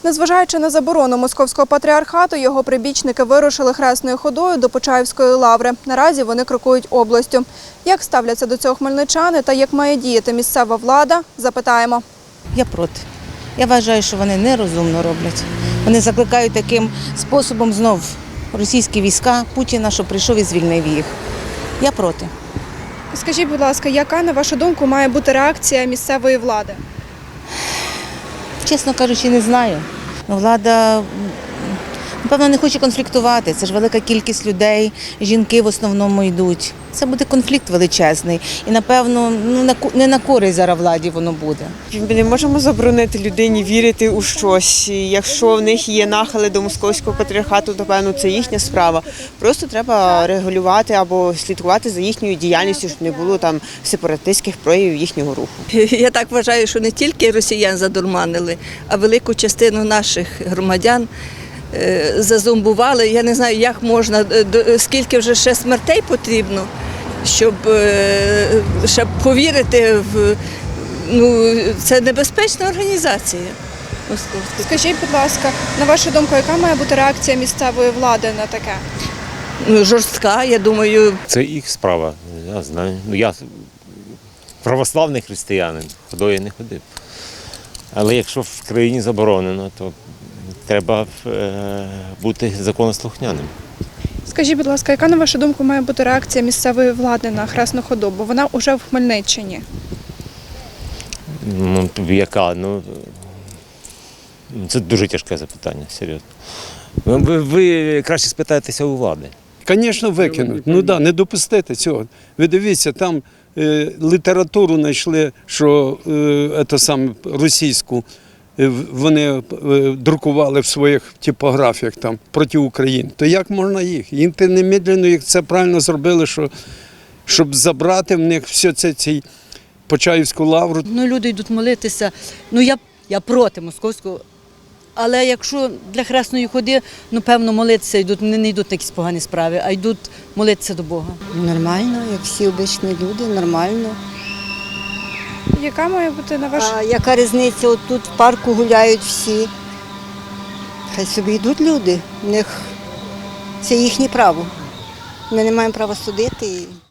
Незважаючи на заборону Московського патріархату, його прибічники вирушили хресною ходою до Почаївської лаври. Наразі вони крокують областю. Як ставляться до цього хмельничани та як має діяти місцева влада – запитаємо. Я проти. Я вважаю, що вони нерозумно роблять. Вони закликають таким способом знов російські війська Путіна, що прийшов і звільнив їх. Я проти. Скажіть, будь ласка, яка, на вашу думку, має бути реакція місцевої влади? Чесно кажучи, не знаю. Влада, напевно, не хоче конфліктувати. Це ж велика кількість людей, жінки в основному йдуть. Це буде конфлікт величезний. І, напевно, не на користь зараз владі воно буде. Ми не можемо заборонити людині вірити у щось. Якщо в них є нахили до Московського патріархату, то, певно, це їхня справа. Просто треба регулювати або слідкувати за їхньою діяльністю, щоб не було там сепаратистських проявів їхнього руху. Я так вважаю, що не тільки росіян задурманили, а велику частину наших громадян зазомбували. Я не знаю, як можна, скільки вже ще смертей потрібно, щоб повірити в це небезпечна організація. Скажіть, будь ласка, на вашу думку, яка має бути реакція місцевої влади на таке? Жорстка, я думаю. Це їх справа. Я знаю. Я православний християнин, ходою не ходив. Але якщо в країні заборонено, то треба бути законослухняним. Скажіть, будь ласка, яка, на вашу думку, має бути реакція місцевої влади на хресну ходу? Бо вона вже в Хмельниччині. Яка? Це дуже тяжке запитання, серйозно. Ви краще спитаєтеся у влади. Звісно, викинуть. Не допустити цього. Ви дивіться, там літературу знайшли, що російську вони друкували в своїх типографіях там проти України. То як можна їх? Їм немедленно, як це правильно зробили, щоб забрати в них все це цей Почаївську лавру. Люди йдуть молитися. Я проти московського. Але якщо для хресної ходи, певно, молитися йдуть, не йдуть на якісь погані справи, а йдуть молитися до Бога. Нормально, як всі обичні люди, нормально. Яка має бути, на вашу... А яка різниця? От тут в парку гуляють всі. Хай собі йдуть люди, в них це їхнє право. Ми не маємо права судити.